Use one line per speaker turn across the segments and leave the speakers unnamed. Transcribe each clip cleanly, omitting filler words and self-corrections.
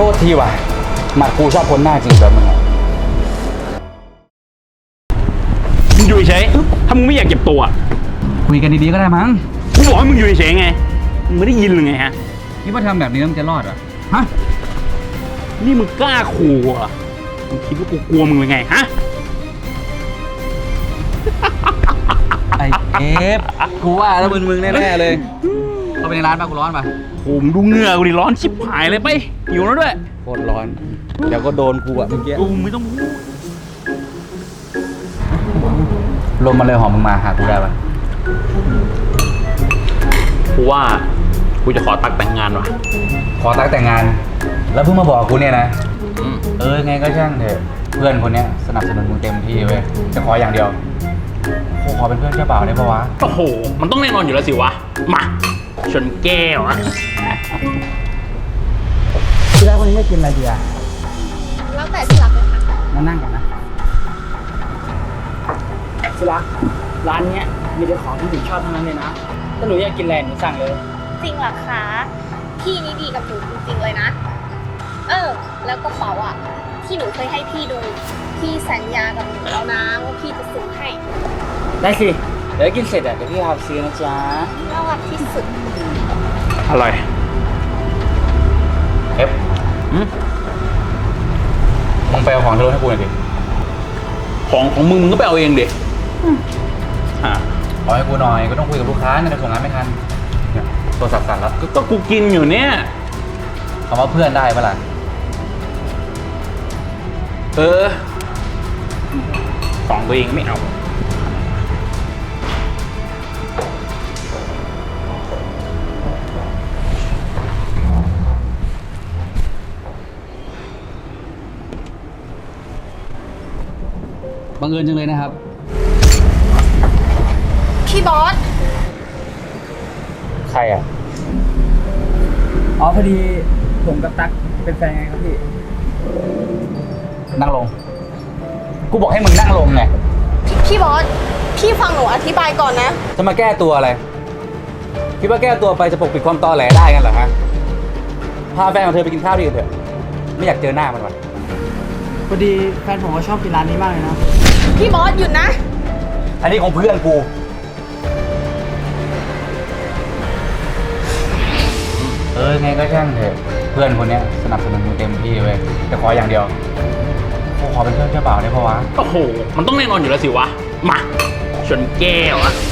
ษทีว่ะหมัดกูชอบคนหน้าจริงแบบมึงอะ
มึงอยู่เฉยถ้ามึงไม่อยากเจ็บตัว
คุยกันดีๆก็ได้มั้ง
กูบอกให้มึงอยู่เฉยไงมึงไม่ได้ยินหรือไงฮะ
นี่ว่าทำแบบนี้มันจะรอดเหรอฮะ
นี่มึงกล้าขู่อ่ะมึงคิดว่ากูกลัวมึงหรือไงฮะ
ไอ้เอฟกูว่าแล้วมึงแน่ๆเลยเข้าไปในร้านป่ะกูร้อนป่ะ
ผมดูเหงื่อกูดิร้อนชิบหายเลยไปหิวแล้วด้วย
โคตรร้อนเดี๋ยวก็โดนกูอะเมื่อกี้
กูไม่ต้องพูด
ลมมาเลยหอมมึงมาหากูได้ป่ะ
กูว่ากูจะขอตักแต่งงานว่ะ
ขอตักแต่งงานแล้วเพิ่งมาบอกกูเนี่ยนะไงก็ช่างเถอะเพื่อนคนเนี้ยสนับสนุนมึงเต็มที่เว้ยจะขออย่างเดียวกูขอเป็นเพื่อนเจ้าบ่าวได้ปะวะ
โอ้โหมันต้องแน่นอนอยู่แล้วสิวะมาชนแก้วอะ
ที่รักวันนี้ไม่กินอะไรดีอะ
แล้วแต่ที่รักเลยค่ะ
มานั่งกันนะ
ที่รักร้านเนี้ยมีแต่ของที่หนูชอบทั้งนั้นเลยนะถ้าหนูอยากกินอะไรหนูสั่งเลย
จริงเหรอคะพี่นี่ดีกับหนูจริงๆเลยนะแล้วกระเป๋าอ่ะที่หนูเคยให้พี่ดูพี่สัญญากับหนูแล้วนะว่าพี่จะซื้อให้
ได้สิเดี๋ยวกินเสร็จเดี๋ยวพี่พาไปซื้อนะจ๊ะ
น่ารักที่สุด
อร่อย
เอฟมึงไปเอาของที่รถให้กูหน่อยดิ
ของมึงก็ไปเอาเองดิ
ขอให้กูหน่อยก็ต้องคุยกับลูกค้าเนี่ยจะส่งงานไม่ทันเนี่ยโทรศัพท์สั่นแล้ว
ก็กูกินอยู่เนี่ย
คำว่าเพื่อนได้ปะล่ะ
ของตัวเองไม่เอา
บังเอิญจังเลยนะครับ
พี่บอส
ใครอ่ะ
อ๋อพอดีผมกับตั๊กเป็นแฟนไงครับพี่
นั่งลงกูบอกให้มึงนั่งลงไง
พี่บอสพี่ฟังหนูอธิบายก่อนนะ
จะมาแก้ตัวอะไรคิดว่าแก้ตัวไปจะปกปิดความตอแหลได้กันเหรอฮะพาแฟนของเธอไปกินข้าวดีกันเถอะไม่อยากเจอหน้ามันว่ะ
พอดีแฟนผมก็ชอบกินร้านนี้มากเลยนะ
พี่บอสหยุดนะ
อันนี้ของเพื่อนกูไงก็ช่างเถอะเพื่อนคนเนี้ยสนับสนุนมึงเต็มที่เว้ยแต่ขออย่างเดียวกูขอเป็นเพื่อนเจ้าบ่าวได้ปะวะ
โอ้โหมันต้องแน่นอนอยู่แล้วสิวะมาชนแก้วอะ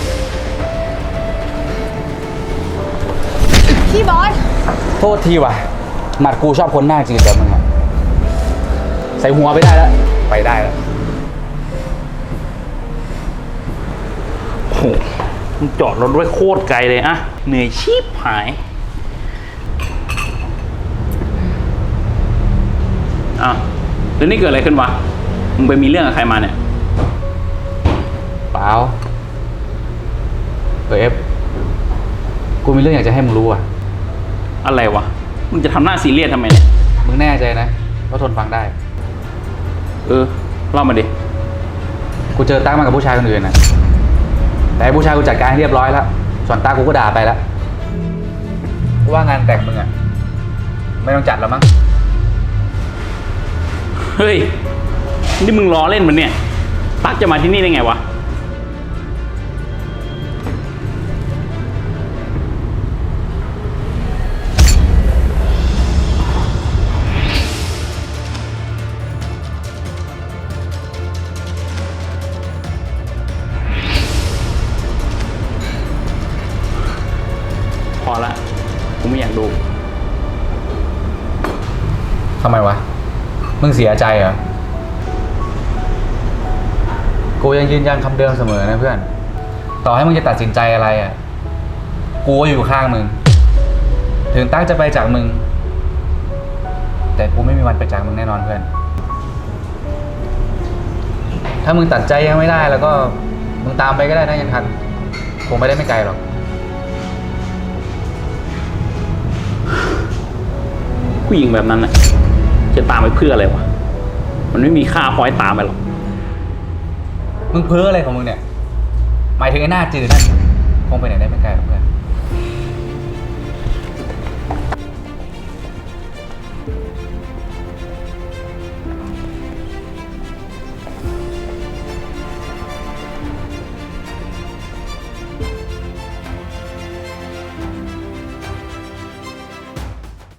พี่บอส
โทษทีว่ะหมัดกูชอบคนหน้าจริงแบบมึงอะใส่หัวไปได้แล้วไปได้แล้ว
โอ้โหมึงจอดรถด้วยโคตรไกลเลยอะเหนื่อยชีพหายแล้วนี่เกิดอะไรขึ้นวะมึงไปมีเรื่องกับใครมาเนี่ย
เปล่าเอฟกูมีเรื่องอยากจะให้มึงรู้อะ
อะไรวะมึงจะทำหน้าซีเรียสทำไมเนี่ย
มึงแน่ใจนะว่าทนฟังได้
เล่ามาดิ
กูเจอตั้งมากับผู้ชายคนอื่นนะแต่ผู้ชายกูจัดการให้เรียบร้อยแล้วส่วนตากูก็ด่าไปแล้วกูว่างานแต่งมึงอะไม่ต้องจัดแล้วมั้ง
เฮ้ยนี่มึงล้อเล่นมันเนี่ยตั๊กจะมาที่นี่ได้ไงวะพอละกูไม่อยากดู
ทำไมวะมึงเสียใจเหรอกูยังยืนยันคำเดิมเสมอนะเพื่อนต่อให้มึงจะตัดสินใจอะไรอ่ะกูก็อยู่ข้างมึงถึงตั้งจะไปจากมึงแต่กูไม่มีวันไปจากมึงแน่นอนเพื่อนถ้ามึงตัดใจยังไม่ได้แล้วก็มึงตามไปก็ได้นะยังทันคงไม่ได้ไม่ไกลหรอก
ผู้หญิงแบบนั้นน่ะจะตามไปเพื่ออะไรวะมันไม่มีค่าคอยตามไปหรอก
มึงเพ้ออะไรของมึงเนี่ยหมายถึงไอ้หน้าจืดนั่นคงไปไหนได้ไม่ไกลหรอกเพื่อน